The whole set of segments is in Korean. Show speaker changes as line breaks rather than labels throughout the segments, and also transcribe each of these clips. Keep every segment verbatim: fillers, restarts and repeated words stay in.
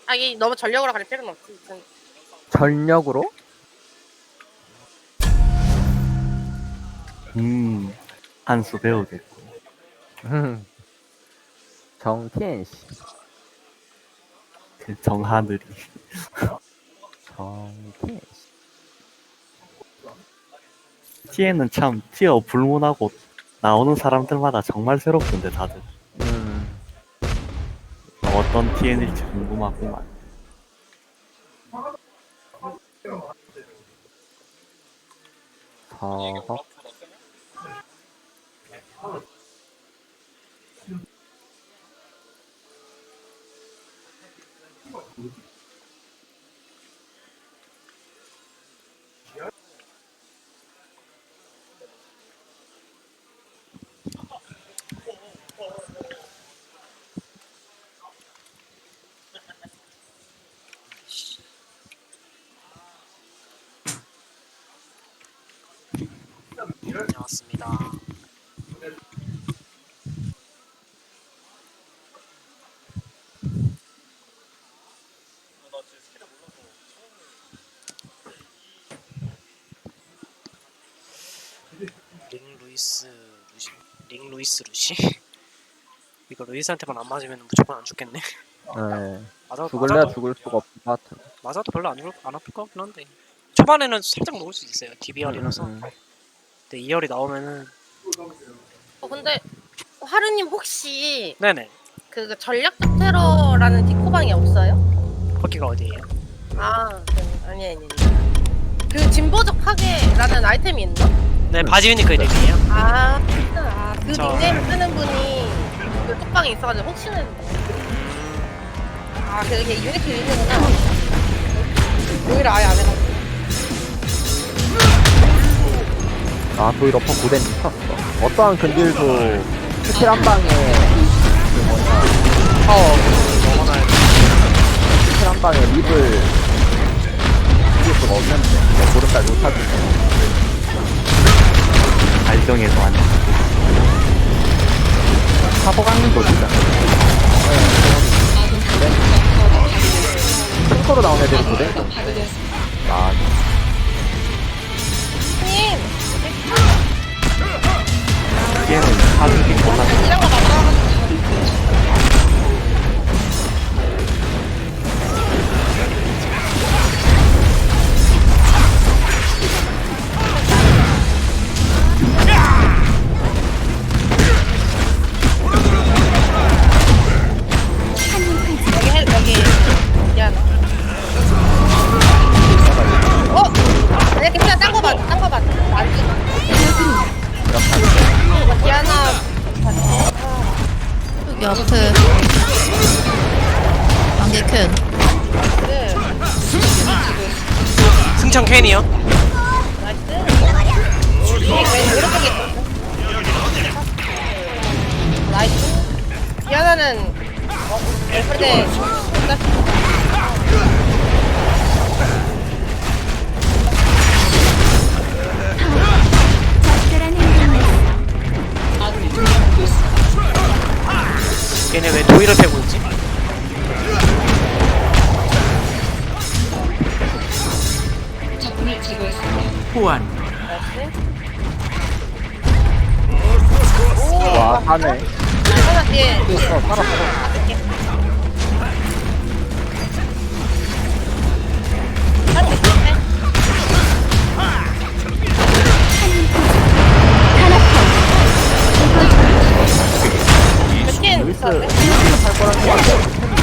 아, 이 너무 전력으로 갈 필요는 없지. 좀.
전력으로?
음, 한 수 배우겠고.
정티엔씨.
그 정하늘이.
정티엔씨.
티에는 참 티어 불문하고 나오는 사람들마다 정말 새롭던데 다들.
음.
어떤 티엔일지 궁금하구만.
저거.
다녀왔습니다. 링 루이스 루시 링 루이스 루시 이거 루이스한테만 안 맞으면 무조건 안 죽겠네.
네.
맞아
죽을래야
맞아도
죽을 수가 없을 것 같은.
맞아도 별로 안, 죽을- 안 아플 것 같긴 한데 초반에는 살짝 녹을 수 있어요. 디비알이라서.
음, 음.
근데 이열이 나오면은
어, 근데 하루님 혹시
네네.
그 전략적 테러라는 디코방이 없어요?
거기가 어디예요?
아, 네. 아니 아니 아니. 그 진보적 파괴라는 아이템이 있나?
네, 바지유니크 이름이에요.
아, 아, 그
저-
닉네임 쓰는 분이 그 톡방에 있어가지고 혹시나 했는데. 아, 그게 유니크 이름이구나. 오히려 아예 안 해가지고.
아, 도일 어퍼 고된 미쳤어. 어떠한 근딜도 스킬 한 방에 그 뭐냐,
파워 넘어가야 돼.
스킬 한 방에 립을 이길 수가 없는데 내 보름달 못하겠네.
발정에서 안
사보강림도 진짜. 탱커로 나온 애들이 고된 아,
형님!
티에는 사주기 몰라.
이런 거 만들어가지고. 여기 해, 여기. 미안. 어? 아니, 괜찮아. 딴거 봐. 딴거 봐. 안 찍어. 이거 디아나.
여기 앞에 안개 캔.
네.
승천 캔이요?
나이스. 이게 왜 오른쪽에 있어? 나이스. 디아나는 어, 근데
얘네 왜 도일을 패고 있지?
보안
오,
와, 사네.
하나 뒤에
어, 살았어.
한 대. 몇개
루이스,
있었는데?
루이스 할 거란 거 같아.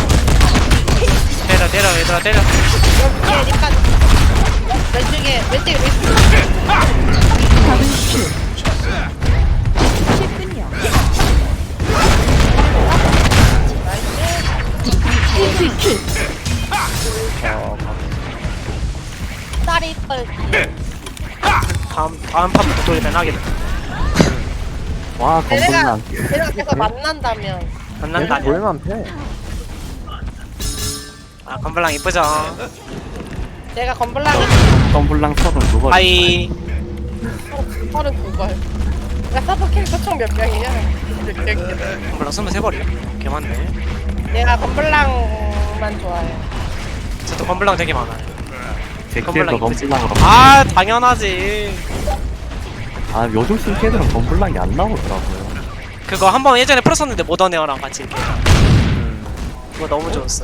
때려 때려 얘들아 때려.
여기에 립까지. 왼쪽에 왼쪽에 루이스.
어,
쌀이 펄.
다음 다음 판부터 도일은 하게 돼.
와,
얘네가
건강한.
얘네가 계속 만난다면.
만난다.
계속 보이면 패.
아 건블랑 이쁘죠?
내가 건블랑이
덤블랑 서른 누가
하이.
서른 두 걸. 야 서버 캐릭터 총 몇 명이야?
건블랑 스물세 벌이요? 개 많네.
내가 건블랑만 좋아해.
저도 건블랑 되게 많아요.
제
건블랑
킬도
이쁘지?
건블랑으로.
아 당연하지.
아 요즘 신캐들은 건블랑이 안 나오더라고요.
그거 한 번 예전에 풀었었는데 모던 에어랑 같이 이렇게. 그거 너무 좋았어.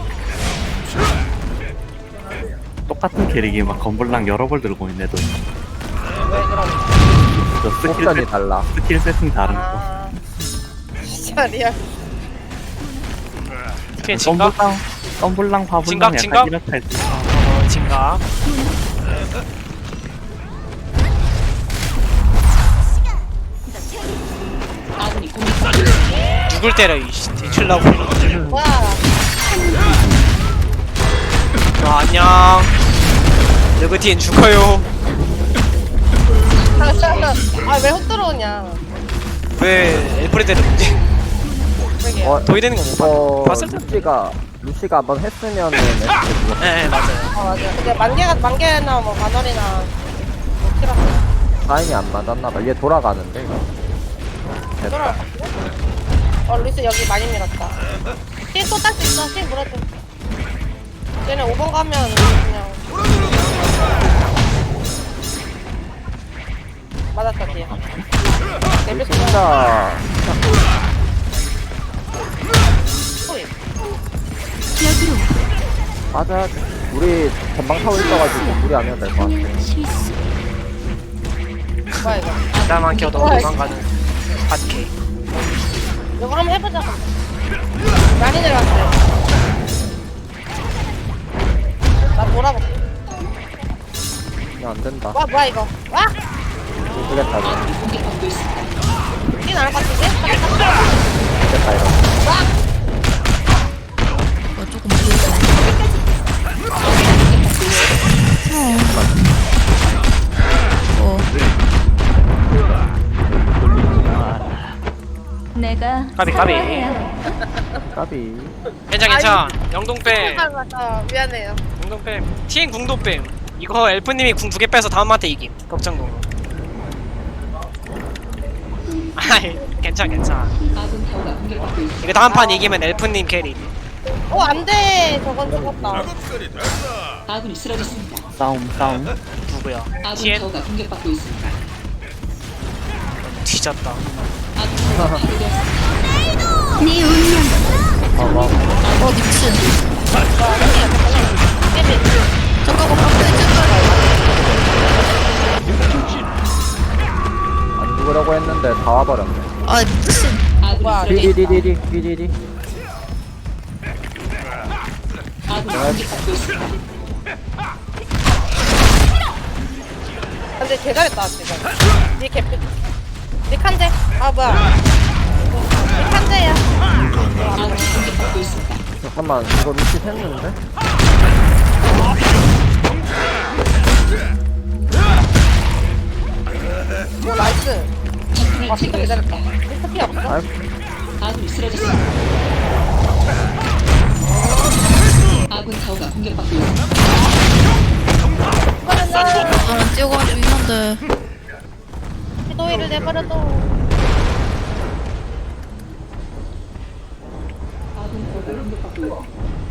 똑같은 캐릭이 막 건블랑 여러 벌 들고 있는 애도 있고.
왜 그럼?
저 스킬,
옵션이
세,
달라.
스킬 세팅 다른 거.
아 진짜 리얼.
그게 진각?
건블랑 건블랑
진각,
화블랑
진각?
약간 이렇게 할때
어 진각. 누굴 때려 이씨 대출라고.
와.
아, 안녕. 느그틴 죽어요.
아왜 훅 들어오냐?
왜 엘프레드를 못해?
그러게요.
어,
도이 되는 거못
어,
봤을 텐데.
루시가, 루시가 한번 했으면은 에스케 죽었어.
네, 네 맞아요.
아 맞아. 근데 만개가 만개나 뭐 만월이나 뭐 키라고.
타임이 안 맞았나봐. 얘 돌아가는데, 이거.
돌아.
됐다.
어 루이스 여기 많이 밀었다. 힐또딸수 있어. 힐 물어줘. 쟤네 오 번 가면 그냥 맞았다 뒤에. 데뷔
진짜,
소리.
맞아. 우리 전방 타고 있어가지고 우리 아니면 될 것 같아.
뭐야 이거?
나만 켜도
와,
도망가는 핫케.
이거 한번 해보자. 많이 내려왔어요. 나 돌아볼게.
그냥 안 된다.
와 뭐야 이거? 와!
모르겠다, 이거.
이 나올 것 같은데?
모르겠다, 이거.
와!
이거 조금 무리했어. 어.
내가
까비, 까비.
까비.
괜찮 괜찮. 영동뱀.
맞아 맞아. 미안해요.
영동뱀. 티엔 궁도뱀. 이거 엘프님이 궁 두 개 빼서 다음한테 이김. 걱정도. 아이 괜찮 괜찮. 이거 다음 판 이기면 엘프님 캐리.
어 안돼. 저건 죽었다.
아군이 쓰러졌습니다.
싸움 싸움.
누구야?
아군
티엔
타워가 공격받고 있습니다.
뒤졌다.
아군 타워가 파괴되었습니다.
네 운명.
봐봐.
어 미친. 잠깐만
안 죽으려고 했는데 다 와버렸네.
아 미친.
아군이
뭐야,
쓰러졌습니다.
디디디디디, 디디디.
아군이 공격받고 있습니다.
근데 개 잘했다 지금. 니 개피. 니 칸데. 아 뭐야. 니 칸데야.
아군이 공격받고 있습니다.
잠깐만, 이거 루시 샜는데?
오 나이스.
적군을
아 진짜 개 잘했다.
제거했습니다.
미스터 피 없어?
아이,
아군이 쓰러졌습니다. 아군 타워가 공격받고 있습니다.
나랑 뛰어가지고 있는데.
도의를 내버려둬.
아군 타워가 공격받고 있습니다.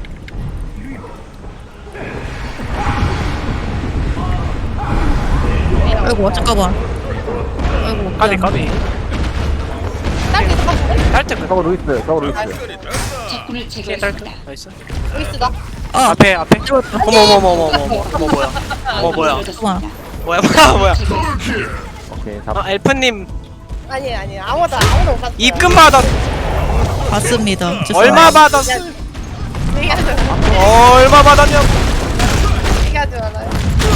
아이고 잠깐만. 아이고.
까비
미안.
까비.
딸기 똑같은데?
딸때 그
저거 루이스, 저거 루이스.
적군을
티엔 딸때
제거했습니다.
나이스.
루이스다.
아
앞에 앞에. 어머 어머 어머 어머 어머 어머 뭐야? 어머 뭐야?
쓰러졌습니다.
뭐야 뭐야 뭐야?
제거했습니다.
오케이, 잡.
아 엘프님
아니 아니 아무도 아무도 못 봤어.
입금 받았.
봤습니다. 죄송합니다.
얼마 받았어?
얘기하지
얼마 받았냐?
얘기하지 말아요.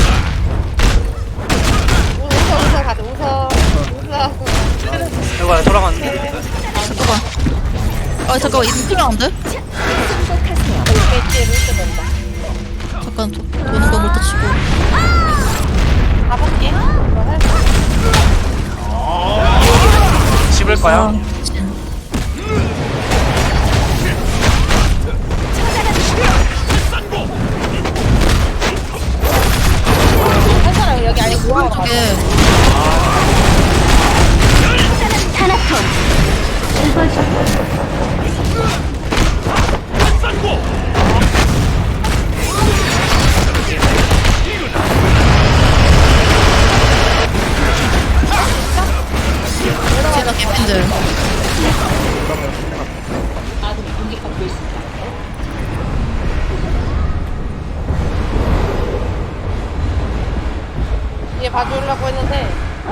우- 웃어 웃어 가자 웃어 웃어.
이거 돌아갔네.
잠깐만. 아 잠깐만 이거 필요한데?
이게 루이스 된다.
잠깐 도, 도는 거부터 치고.
가볼게. 뭐 할?
집을 거야.
아, 미친.
할 사람 여기 아니고 뭐하러 가?
이게
봐주려고 했는데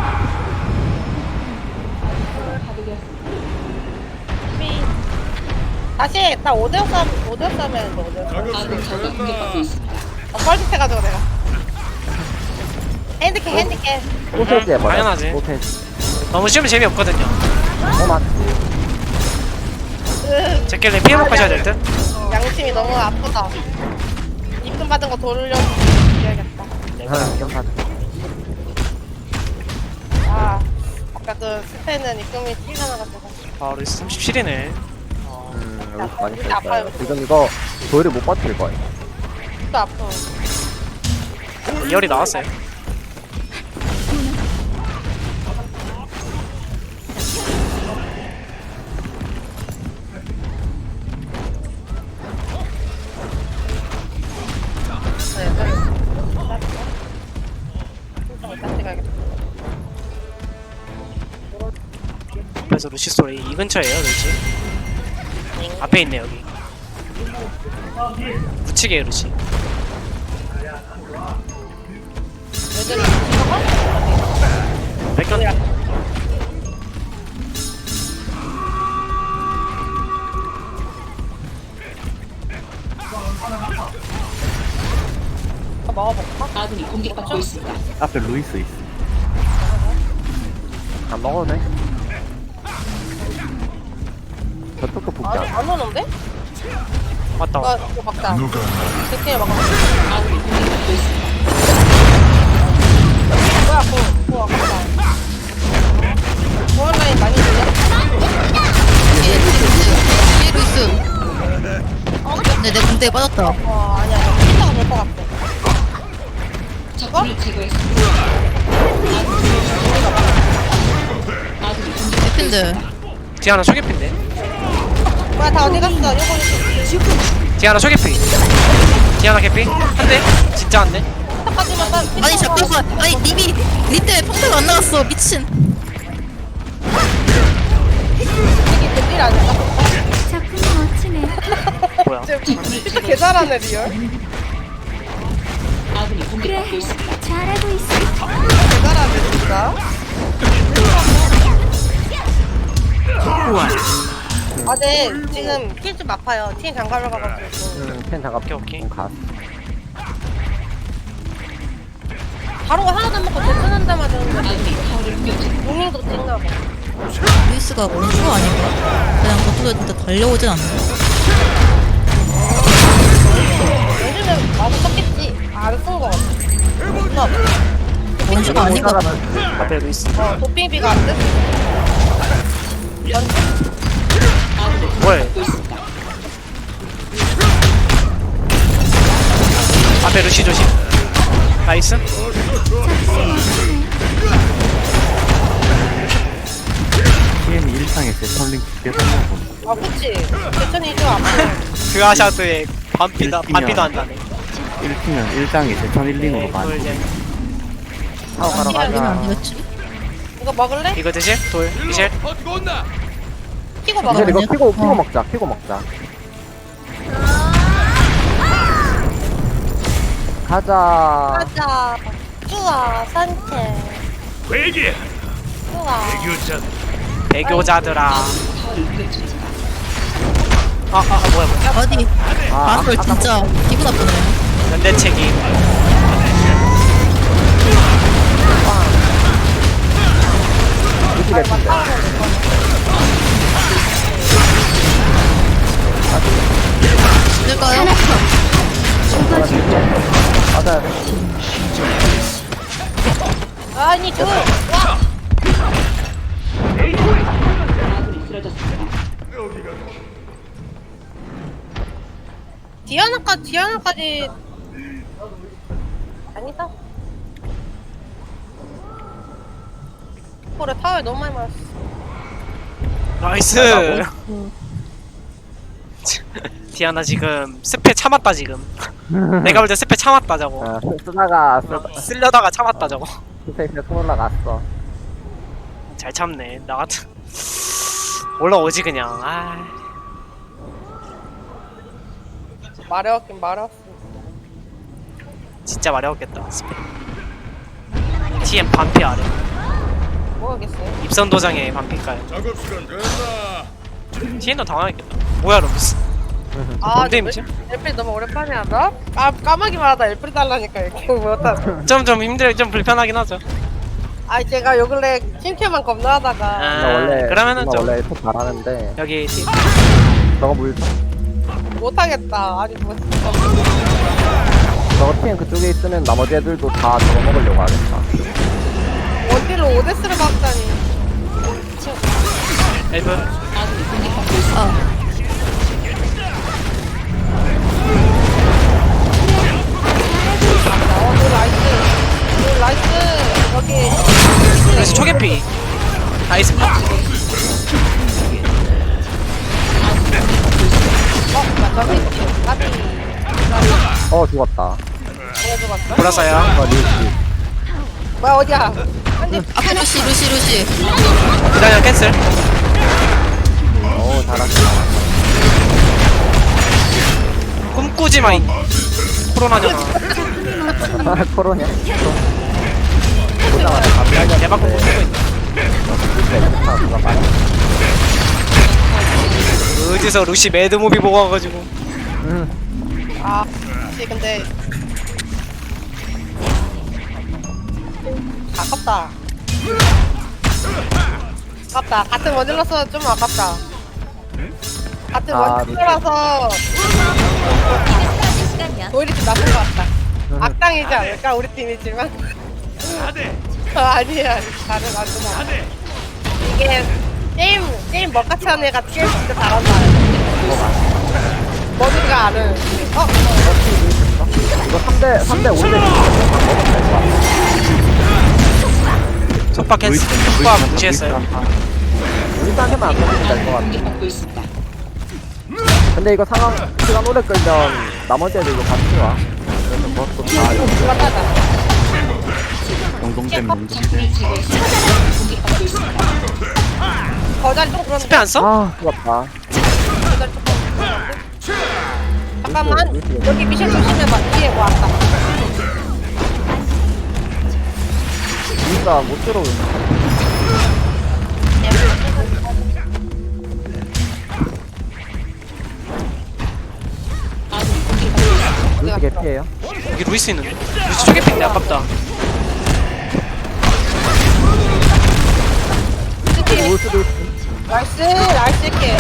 미 다시 나 오 대 오 싸움 오 대 오 싸움이 아닌데 오 대 오 싸움
아군 타워가 공격받고 있습니다.
어, 뻘짓해가지고 내가 핸디캡 핸디캡
소세지 해버려.
당연하지.
소세지.
너무 쉬우면 재미없거든요.
어, 맞지.
으,
제끼리 피해 먹고 하셔야 될 듯.
양심이 너무 아프다 입금 받은 거 돌려줘야겠다
아, 기억나.
아 아까 그 스페는 입금이 티가 나가지고
바로 삼십칠이네. 어,
음, 여기 많이
진짜 아파요.
써있어요. 지금 이거 도일을 못 버틸 거예요.
또 아프
이열이 나왔어요.
네, 네. 일단 찍어야겠다.
그래서 루시 소리 이 근처에요, 루시. 앞에 있네 여기. 묻히게 루시.
애들이 찍어봐?
뺏겼네.
더 먹어볼까?
아군이 공격받고 있습니다.
앞에 루이스 있어.
안 먹어도 돼. 저쪽도 복귀
아니
안
안 오는데?
맞다.
아 이거 막자 스킬 막아
아군이 공격받고 있습니다.
뭐야 그거 그거 아깝다 보안 라인 많이 들려?
뒤에 루이스. 뒤에 루이스. 근데 내 공대에 빠졌다.
어 아니야 아니야 피자가 될 것 같아
적군을 제거했습니다. 아군이 공격
해핀들.
디아나 초계피인데.
뭐야 다 어디 갔어 요거
디아나 초계피. 디아나 개피. 한 대. 진짜 한 대.
하지만 난
아니 잠깐만. 아니 님이 님 때문에 평타가 안 나갔어. 미친.
이게 딜 아닌가?
뭐야?
진짜 개 잘하네 리얼
아군이 공격받고 있습니다.
개 잘하네 진짜 아, 네, 지금 킬 좀 아파요. 팀 장갑을 가가지고.
응, 펜 잠깐
오케이, 오케이.
가.
바로 하나도 안 먹고 대전한다 맞았는데.
아군이 타워를 공격 중.
용인도 띵나 봐.
루이스가 원수가 아닌가? 그냥 저쪽에 달려오진 않네.
요즘에 많이 썼겠지. 안 쓴 거 같아. 존나 아파.
원수가 아닌 것 같아.
앞에 루이스.
어, 도핑비가 안 돼?
아군이
뭘?
공격받고 있습니다.
앞에 루시 조심. 나이스.
티엠이 일 창에 제철링 두개 샀나 보네.
아, 그치. 대천이 좀 아파.
그 아샤드에 반피다 반피도 한다네.
일 팀은 일 장에 제천 일 링으로
이걸
많이.
이제
타고 가러
이러면 안
가자.
되겠지?
이거 먹을래?
이거 드실? 돌 이실?
키고 먹어.
이제 이거
아니야?
피고 피고
어.
먹자. 피고 먹자. 가자.
가자. 좋아, 산책.
회개
좋아.
교자
배교자들아.
타워를 공격 중입니다.
아, 아, 아 뭐야 뭐야.
어디?
아,
바람을 진짜 기분 나쁘네.
연대 책임.
루시 랩인데.
될까요?
맞아야 돼.
아니, 저. 와!
아군이 쓰러졌습니다.
디아나까지, 디아나까지. 아니다. 그래, 타워에 너무 많이 맞았어.
나이스. 디아나 지금 스페 참았다 지금. 내가 볼 때 스페 참았다 저거.
아, 쓰- 쓰다가 쓰-
쓸려다가 참았다 저거.
스페이스에 손 올라갔어.
잘 참네. 나 같은 올라오지 그냥. 아,
마려웠긴 마려웠어.
진짜 마려웠겠다. 스페. 티엠 반피 아래.
뭐 하겠어요?
입선 도장에 반피가요. 티엠도 당황했겠다. 뭐야 로미스?
아,
뭔 데미지?
엘프리 너무 오랜만이야. 나? 까, 까마귀만 하다 엘프리 달라니까 이렇게 못하.
좀좀 힘들 좀 불편하긴 하죠.
아, 제가 요 근래 팀캐만 겁나 하다가
아,
나 원래
그러면은
나
좀
원래 톱 잘하는데
여기 티...
저거 물
못하겠다. 아니 뭐 진짜.
저거 팀 그쪽에 있으면 나머지 애들도 다 저거 먹으려고 하겠다.
원딜로 오데스를 박다니.
엘프
아군이 공격받고 있습니다.
어.
어, 그 라이스. 그 라이스. 여기.
그래서 초계피 나이스.
어, 나 저기. 까비.
어 죽었다.
뭐가 죽었어?
돌았어요.
어 리우씨.
뭐야, 어디야? 한대
앞에 루시 루시 루시.
기다려 캔슬.
오 잘한다.
꿈꾸지 마 이 코로나잖아.
코로냐? 보자마자 갑자기
대박 꿈꾸고 있네.
아, 누가 말해?
어디서 루시 매드무비 보고 와가지고.
음.
아, 혹시 근데 아깝다. 아깝다. 같은 원딜러서 좀 아깝다. 같은
아,
원딜러라서 오히려 좀 나쁜 것 같다. 악당이지 않을까 우리 팀이지만. 어, 아니야, 다른 안 좋아. 이게 게임 게임 먹같이 하는 애가 게임 진짜 잘한다. 뭐든가 아는. 어,
이거 삼 대 삼 대 오 대 먹으면 될 것 같아.
속박 캔슬. 속박 무시했어요.
일단에만 안 먹으면 될 것 같아.
공격받고 있습니다.
근데 이거 상황 시간 오래 끌면 나머지 애들 이거 같이 와. 그래서 그것도 다 이거
누가 따자.
영동댐 영동댐.
적군을 제거했습니다. 공격받고 있습니다.
거자리 좀 그런데.
스페 안 써?
아 죽었다.
거자리 조금 그런데. 잠깐만, 여기 미션 조심해봐. 뒤에 뭐 왔다.
진짜 못 들어오네.
아군이 공격받고 있습니다.
루시 개피해요.
여기 루이스 있는데. 루이스 초계피인데 아깝다.
올 수도 있어.
나이스, 나이스 이렇게.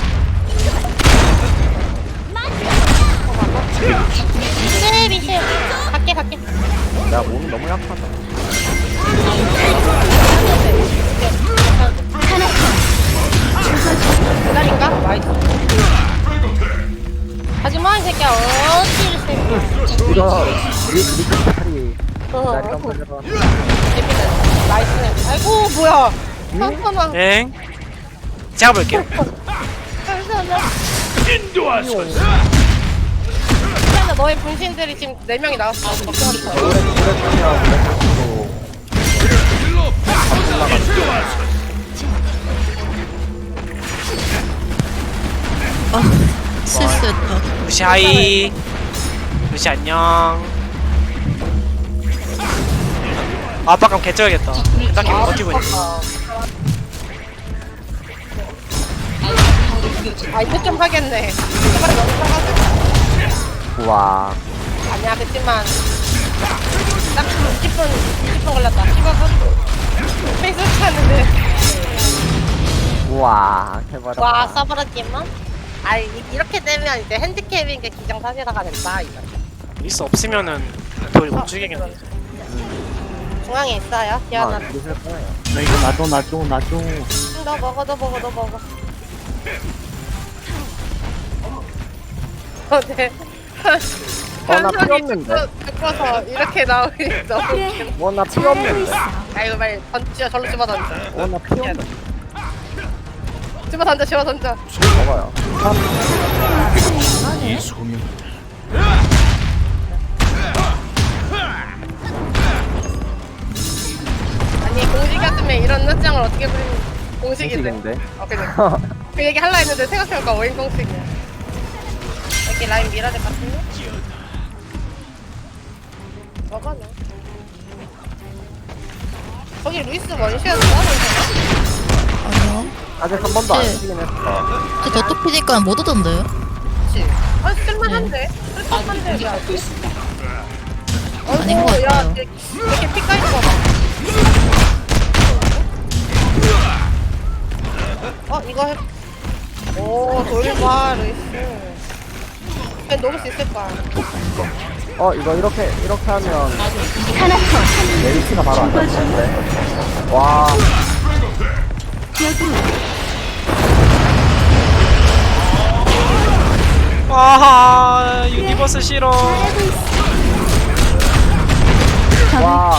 미셸, 미셸. 갈게, 갈게.
내가 몸이 너무 약하다.
기다린가? 나이스. 하지마, 이 새끼야. 어찌, 이 새끼야.
이거 리 리스 팔이
어,
날 깜빡이라.
재밌다. 나이스. 아이고, 뭐야. 잠깐만.
엥? 제가 볼게요.
잠시만요. 근데 너의 분신들이 지금 네 명이 나왔어. 걱정하지 마.
오래 오래 끌면 그래도
아 실수했다.
루시 하이. 루시 안녕. 아빠감 개쩔겠다. 딱히 못 버티고 있네.
아, 이제 좀 하겠네. 제발 너무 사가지고.
와.
아니야, 그치만. 딱 이십 분, 이십 분 걸렸다. 십오 분. 페이스북 하는데.
우와 해봐라.
와, 써버렸지만. 아, 이- 이렇게 되면 이제 핸디캡인 게 기정사실화가 된다, 이거.
루이스 없으면은 돌 못 죽이겠네.
중앙에 있어요, 디아나.
아, 있을 거예요.
나 이거 놔줘 놔줘 놔줘.
너 먹어, 너 먹어, 너 먹어. 어, 네.
어, 나 필요
현석이
없는데.
듣고- 듣고서 이렇게 나오니 너무 웃겨.
어나 필요 없는데.
아, 이거 빨리 던져, 절로 집어 던져.
어나 필요 없는데.
집어 던져, 집어 던져.
먹어요.
아니, 공식이었으면 이런 늦장을 어떻게 부리는 공식인데.
공식인데.
어, 그래. 그 얘기 할라 했는데 생각해보니까 오인 공식이야. 여기 라인 밀어야 될 것 같은데? 먹어, 너. 거기 루이스 원시였어?
아니요.
아직 한 번도 안
네.
쓰긴 했어.
근데 저또 피니까 못 오던데요?
그치? 아니 쓸만한데?
아군이
쓸만한데 야
공격받고 있습니다.
아닌 것
어이구 야
같아요.
이렇게 이렇게 피 까인 거 봐. 어 이거 해. 오 돌봐 루이스. 그냥 녹을 수 있을 거야.
어 이거 이렇게 이렇게 하면
아군이 공격받고
메리치가 바로 안 잡히는데. 와
와 유니버스 싫어.
와.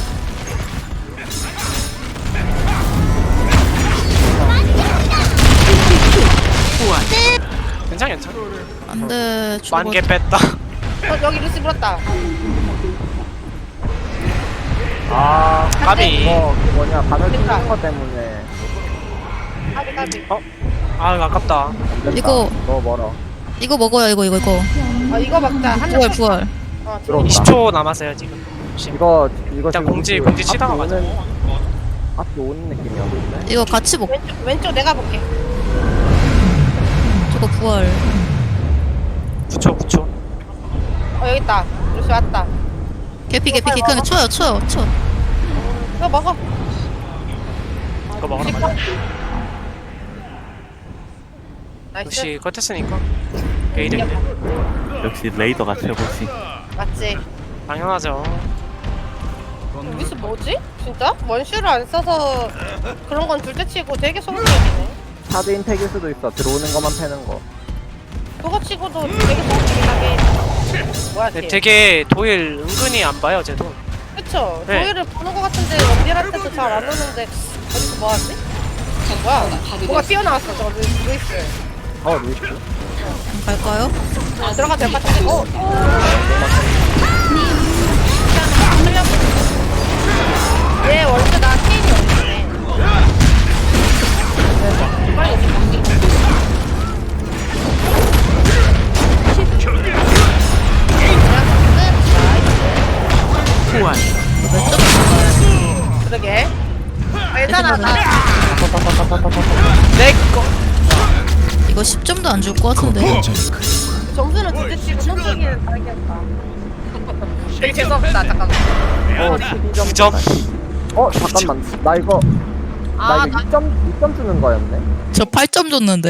괜찮아 괜찮아.
안 돼. 죽어.
만개 뺐다.
어 여기 루이스 물었다.
아
까비.
이거 그 뭐냐 바늘
됐다.
뚫는 거 때문에
까비 까비.
어? 아 아깝다.
안 된다.
이거-
너무 멀어.
이거 먹어요, 이거, 이거, 이거.
어 이거 막자. 한
부활, 부활.
어
들어온다.
이십 초 남았어요 지금.
이거 이거
일단
지금
공지
그
공지
앞에
치다가 가자.
오는 앞에 오는 느낌이었는데.
이거 같이 먹,
왼쪽 왼쪽 내가 볼게.
저거 부활.
구 초 구 초.
어 여기 있다. 루이스 왔다.
개피, 개피, 개 그냥 쳐요, 쳐요, 쳐.
이거 먹어.
이거 먹어라 맞아.
나이스.
역시 컷했으니까 게이드인데.
역시 레이더가 최고지.
맞지.
당연하죠.
루이스 뭐지? 진짜? 원슈를 안 써서 그런 건 둘째치고 되게 소극적이네.
카드 임팩일 수도 있어. 들어오는 것만 패는 거.
그거 치고도 되게 소극적이하게. 뭐야
네,
걔?
되게 도일 은근히 안 봐요 쟤도.
그쵸?
네.
조이를 보는 것 같은데 원딜한테도 잘 안 오는데 어디서 뭐하지? 뭐야? 뭐가 튀어나왔어 저 루이- 루이스.
어 루이스.
갈까요?
들어가도 될 것 같은데. 어? 얘 원래 나 케인이 없네. 빨리 오지. 그러게. 괜찮아 나.
내꺼.
이거 십 점도 안 줄 것 같은데.
점수는 둘째치고 성격이는 다르겠다. 되게 재수없다 잠깐만.
어 십이 점.
구 점.
어 잠깐만. 나 이거
아,
나 이거 이 점 이 점 주는 거였네.
저 팔 점 줬는데.